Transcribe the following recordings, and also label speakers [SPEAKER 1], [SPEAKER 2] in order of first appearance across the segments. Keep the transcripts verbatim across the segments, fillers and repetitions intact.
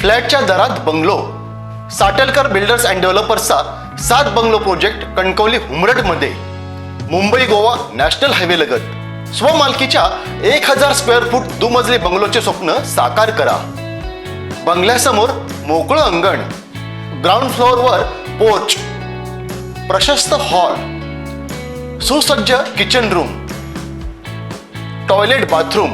[SPEAKER 1] फ्लॅटच्या दरात bungalow. Satelkar builders and डेव्हलपर्सचा सात बंगलो प्रोजेक्ट कणकवली हुमरडमध्ये. मुंबई गोवा नॅशनल हायवे लगत स्वमालकीच्या एक हजार स्क्वेअर फूट दुमजली बंगलोचे स्वप्न साकार करा. बंगल्यासमोर मोकळं अंगण, ग्राउंड फ्लोअरवर पोर्च, प्रशस्त हॉल, सुसज्ज किचन रूम, टॉयलेट बाथरूम,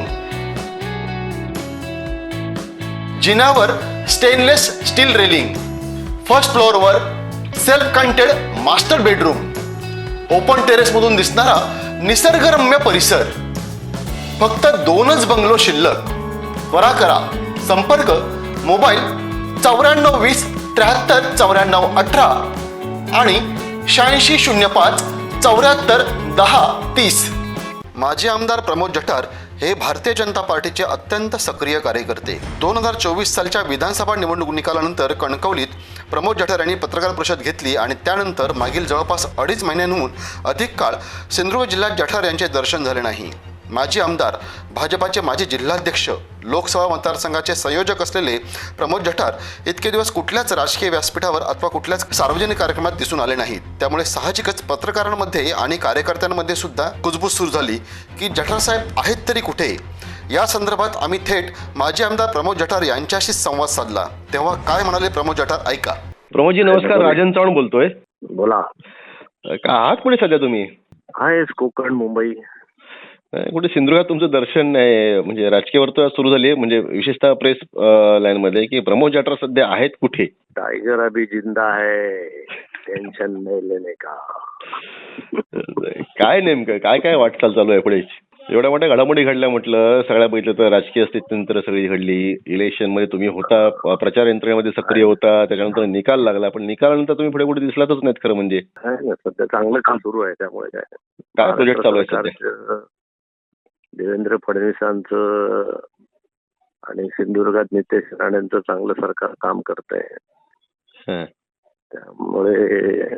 [SPEAKER 1] जिन्यावर स्टेनलेस स्टील रेलिंग, फर्स्ट फ्लोअरवर self contained master bedroom, open terrace मधून दिसणारा निसर्गरम्य परिसर. फक्त दोनच बंगलो शिल्लक. त्वरा करा. संपर्क मोबाईल चौऱ्याण्णव वीस त्र्याहत्तर चौऱ्याण्णव अठरा आणि शहाऐंशी शून्य पाच चौऱ्याहत्तर दहा तीस. माजी आमदार प्रमोद जठार हे भारतीय जनता पार्टीचे अत्यंत सक्रिय कार्यकर्ते. दोन हजार चोवीस सालच्या विधानसभा निवडणूक निकालानंतर कणकवलीत प्रमोद जठार यांनी पत्रकार परिषद घेतली आणि त्यानंतर मागील जवळपास अडीच महिन्यांहून अधिक काळ सिंधुदुर्ग जिल्ह्यात जठार यांचे दर्शन झाले नाही. माजी आमदार, भाजपाचे माजी जिल्हाध्यक्ष, लोकसभा मतदारसंघाचे संयोजक असलेले प्रमोद जठार इतके दिवस कुठल्याच राजकीय व्यासपीठावर अथवा कुठल्याच सार्वजनिक कार्यक्रमात दिसून आले नाहीत. त्यामुळे साहजिकच पत्रकारांमध्ये आणि कार्यकर्त्यांमध्ये सुद्धा कुजबूज सुरू झाली की जठार साहेब आहेत तरी कुठे. या संदर्भात आम्ही थेट माजी आमदार प्रमोद जठार यांच्याशी संवाद साधला. तेव्हा काय म्हणाले प्रमोद जठार ऐका.
[SPEAKER 2] प्रमोदजी नमस्कार, राजन चव्हाण बोलतोय.
[SPEAKER 3] बोला.
[SPEAKER 2] का आहात कुठे सध्या तुम्ही?
[SPEAKER 3] आहेस कोकण, मुंबई.
[SPEAKER 2] कुठे सिंधुदुर्गात तुमचं दर्शन नाही, म्हणजे राजकीय वर्तुळात सुरू झाली आहे, म्हणजे विशेषतः प्रेस लाईन मध्ये की प्रमोद जठार सध्या आहेत कुठे?
[SPEAKER 3] टायगर अभी जिंदा है, टेन्शन नाही लेने का.
[SPEAKER 2] काय नेमकं काय काय वाटचाल चालू आहे पुढे? एवढ्या मोठ्या घडामोडी घडल्या म्हटलं, सगळ्या बघितलं तर राजकीय स्थित्यंतर सगळी घडली. इलेक्शन मध्ये तुम्ही होता, प्रचार यंत्रणेमध्ये सक्रिय होता, त्याच्यानंतर निकाल लागला, पण निकालानंतर तुम्ही पुढे कुठे दिसलातच नाहीत खरं म्हणजे.
[SPEAKER 3] सध्या चांगलं काम सुरू आहे. त्यामुळे काय
[SPEAKER 2] काय प्रोजेक्ट चालू आहे सध्या?
[SPEAKER 3] देवेंद्र फडणवीसांचं आणि सिंधुदुर्गात नितेश राणेंचं चांगलं सरकार काम करत आहे. त्यामुळे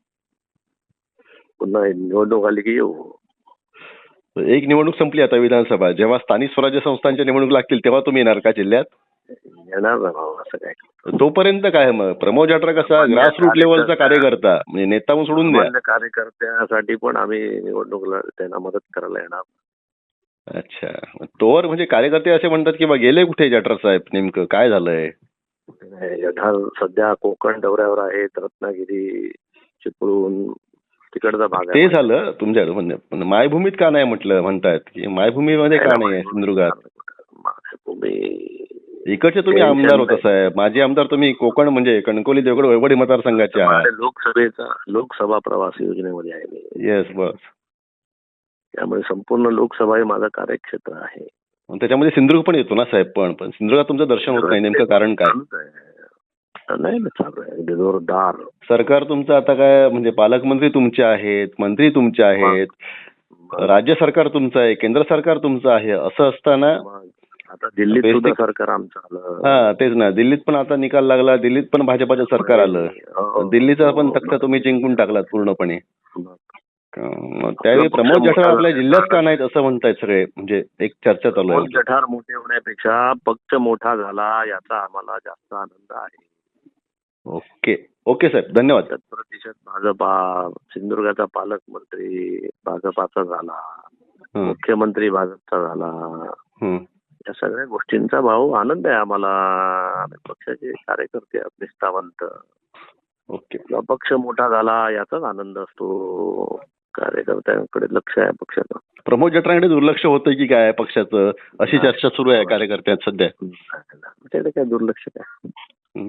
[SPEAKER 3] पुन्हा निवडणूक आली की येऊ.
[SPEAKER 2] एक निवडणूक संपली आता विधानसभा, जेव्हा स्थानिक स्वराज्य संस्थांच्या निवडणूक लागतील तेव्हा तुम्ही येणार का जिल्ह्यात?
[SPEAKER 3] येणार ना भाऊ, असं काय.
[SPEAKER 2] तोपर्यंत काय मग प्रमोद जठार कसा ग्रासरूट लेवलचा कार्यकर्ता, म्हणजे नेता म्हणून सोडून द्या.
[SPEAKER 3] कार्यकर्त्यासाठी पण आम्ही निवडणुकीला त्यांना मदत करायला येणार.
[SPEAKER 2] अच्छा, तोवर म्हणजे कार्यकर्ते असे म्हणतात की बा गेले कुठे जठार साहेब, नेमकं काय झालंय?
[SPEAKER 3] जठार सध्या कोकण दौऱ्यावर आहेत, रत्नागिरी, चिपळूण तिकडचा भाग
[SPEAKER 2] ते झालं तुमच्या म्हणजे मायभूमीत का नाही म्हटलं म्हणतायत की मायभूमीमध्ये का नाही आहे सिंधुदुर्गात?
[SPEAKER 3] मायभूमी
[SPEAKER 2] इकडचे तुम्ही आमदार होता साहेब, माजी आमदार तुम्ही कोकण म्हणजे कणकवली देवगड वैवडी मतदारसंघाचे आहात.
[SPEAKER 3] लोकसभेचा लोकसभा प्रवास योजनेमध्ये आहे मी.
[SPEAKER 2] येस बस.
[SPEAKER 3] त्यामुळे संपूर्ण लोकसभा हे माझं कार्यक्षेत्र आहे.
[SPEAKER 2] त्याच्यामध्ये सिंधुदुर्ग पण येतो ना साहेब. पण पण सिंधुदुर्गात तुमचं दर्शन होत नाही, नेमकं कारण काय?
[SPEAKER 3] नाही ना, चालू आहे अगदी जोरदार.
[SPEAKER 2] सरकार तुमचं आता काय म्हणजे पालकमंत्री तुमचे आहेत, मंत्री तुमचे आहेत, राज्य सरकार तुमचं आहे, केंद्र सरकार तुमचं आहे. असं असताना
[SPEAKER 3] आता दिल्लीत सुद्धा सरकार आमचं आलं.
[SPEAKER 2] हा तेच ना, दिल्लीत पण आता निकाल लागला, दिल्लीत पण भाजपाचं सरकार आलं, दिल्लीचा पण तख्ता तुम्ही जिंकून टाकलात पूर्णपणे. त्यावेळी प्रमोद जठार आपल्या जिल्ह्यात का नाहीत असं म्हणतायत सगळे, म्हणजे एक चर्चा चालू आहे.
[SPEAKER 3] जठार मोठे होण्यापेक्षा पक्ष मोठा झाला याचा आम्हाला जास्त आनंद आहे.
[SPEAKER 2] ओके ओके साहेब, धन्यवाद.
[SPEAKER 3] शत प्रतिशत भाजपा, सिंधुदुर्गाचा पालकमंत्री भाजपाचा झाला, मुख्यमंत्री भाजपचा झाला. या सगळ्या गोष्टींचा भाऊ आनंद आहे आम्हाला. पक्षाचे कार्यकर्ते निष्ठावंत.
[SPEAKER 2] ओके.
[SPEAKER 3] पक्ष मोठा झाला याचाच आनंद असतो. कार्यकर्त्यांकडे लक्ष आहे पक्षाचं.
[SPEAKER 2] प्रमोद जठारांकडे दुर्लक्ष होतं की काय पक्षाचं, अशी चर्चा सुरू आहे कार्यकर्त्यात सध्या.
[SPEAKER 3] त्याचं काय दुर्लक्ष काय.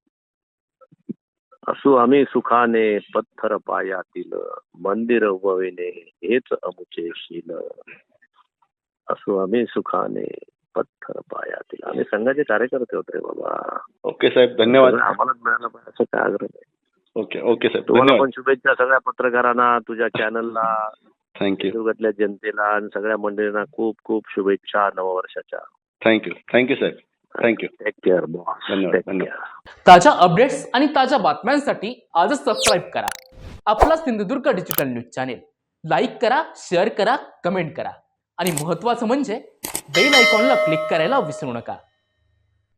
[SPEAKER 3] असू आम्ही सुखाने पत्थर पायातील, मंदिर उभविणे हेच अमुचे शील. असू आम्ही सुखाने पत्थर पायातील. आम्ही संघाचे कार्यकर्ते होते बाबा.
[SPEAKER 2] ओके साहेब, धन्यवाद.
[SPEAKER 3] आम्हाला मिळालं पाहिजे असं काय आग्रह आहे.
[SPEAKER 2] ओके ओके साहेब,
[SPEAKER 3] तुम्हाला पण शुभेच्छा सगळ्या पत्रकारांना, तुझ्या चॅनलला,
[SPEAKER 2] थँक्यू.
[SPEAKER 3] सिंधुदुर्गातल्या जनतेला आणि सगळ्या मंडळींना खूप खूप शुभेच्छा नववर्षाच्या.
[SPEAKER 2] थँक्यू थँक्यू साहेब, थँक्यू.
[SPEAKER 3] Take care boss.
[SPEAKER 2] धन्यवाद धन्यवाद.
[SPEAKER 4] ताज्या अपडेट्स आणि ताज्या बातम्यांसाठी आजच सबस्क्राईब करा आपला Sindhudurg digital news channel. Like करा, शेअर करा, कमेंट करा आणि महत्त्वाचं म्हणजे बेल आयकॉनला क्लिक करायला विसरू नका.